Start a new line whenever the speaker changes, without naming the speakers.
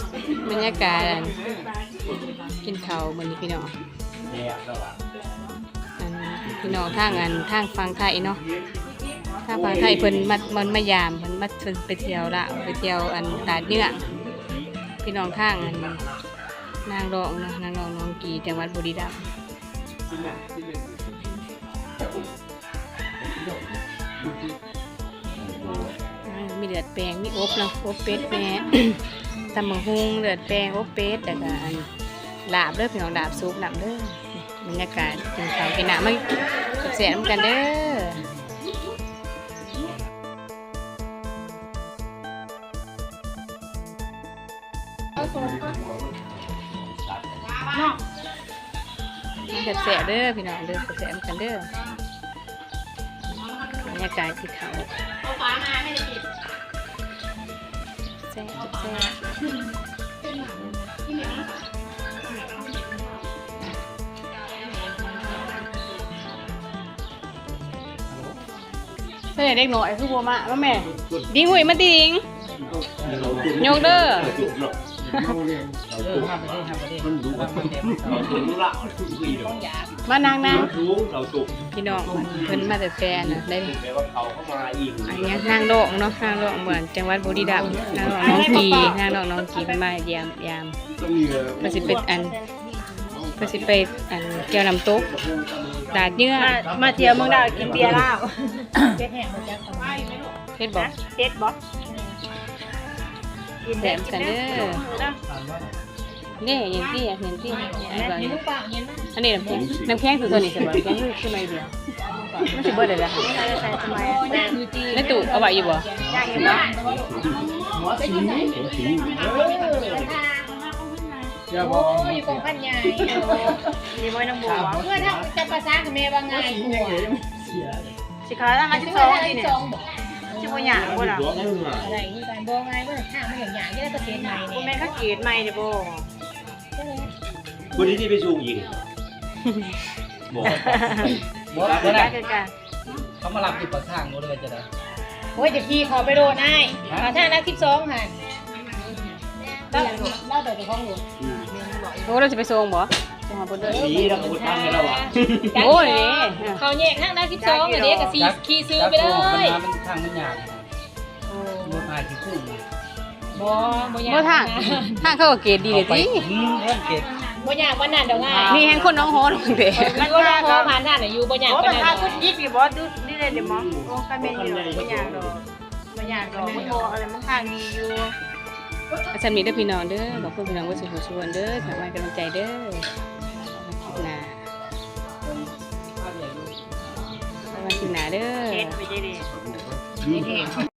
บรรยากาศกินข้าวมื้อนี้พี่น้องพี่น้องทางฝั่งไทยเนาะทางฝั่งไทยเพิ่นมันมายามเพิ่นมาไปเที่ยวละไปเที่ยวตาดเนื้อพี่น้องทางนางรองเนาะนางรองน้องกีจังหวัดบุรีรัมย์มีเลือดแปลงมีอบเนาะอบเป็ดแม่ ตำบักหุ่งเลือดแปลงอบเป็ดแล้วก็ลาบเด้อพี่น้องลาบซุปลาบเด้อบรรยากาศกินข้าวกินน้ำมาแซ่บๆกันเด้อแซ่บๆเด้อพี่น้องเด้อแซ่บๆกันเด้อบรรยากาศกินข้าวแซ่บเด็กหน่อยคือบัวมาแม่ดิ้งหุ่ยมาดิ้งโยกเด้อมานางนะพี่น้องเพิ่นมาแต่แฟนนะได้อันนี้นางดอกเนาะนางดอกเหมือนจังหวัดบุรีรัมย์นางดอกน้องกีเป็นมาเยี่ยมเพิ่นสิเป็นเกี่ยวน้ำตกดาดเนื้อ
มาเที่ยวเมืองดาวกินเบียร์เหล้าเพชรแห้งมาจากทำไม
เพชรบอก
เพชรบอก
กินแหลมกันเด้อนี่ยังที่เห็นที่อันนี้น้ำแข็งคือตัวนี้ใช่ไหมน้ำแข็งคือไม่เดียวไม่ใช่เบอร์เดียวเลยค่ะแล้วตู่เอาไว้อยู่บ่
โอ้ยอยู่กองพันใหญ่มีไว้น้ำบัวเพื่อถ้าจะภาษากับเมย์ว่าไงสิขาตั้งอาชีพสองนี่เนี่ยชิบะหยาบ่ล่ะอะไรนี่การบ่ไงบ่ถ้ามันอย่างหยาที่ได้เกษตรใหม่เนี่ยแม่ก็เกษตรใหม่เด้อบ่
คนนี้ที่ไปสูงอีก
บ่ได้
เขามารับติดประทางนู้นเลยจะได้
โอ้ยจะขี่ขอไปโดนให้ถ้านัก12หั่นเล่าแต่จะคล้องหนู
โอ้เราจะไปส่งบ่ส่งหาบ่เด้อ
นี่เราพูดตั้งให้เราอ่ะ
โอ้ย
เขาแยกทางนัก12อันนี้ก็สิขี่ซื้อไปเลย
มันทางมันยากรถหายที่ขึ้น
บ่ทางเขาก็เกรดดีเลยติ
เกรด
บ่ยากวันนั้นดอกง่าย
นี่แห่งคนน้องฮ้อนเด้
มันบ่พอผ่านนั่นน่ะอยู่บ่ยากปานนั้น
คุณยิบอยู่บ่ดูนี่เลยเดี๋ยวมองโอ้คันเป็นอยู่บ่ยากดอกบ่ยากดอกมันบ่อะไรมันทางดีอยู่
อาจารย์มีเด้อพี่น้องเด้อขอบคุณพี่น้องว่าสุขชวนเด้อขอให้กำลังใจเด้อคลิปหน้าวันคลิปหน้าเด้อ
เฮ็ดไปได้ดิ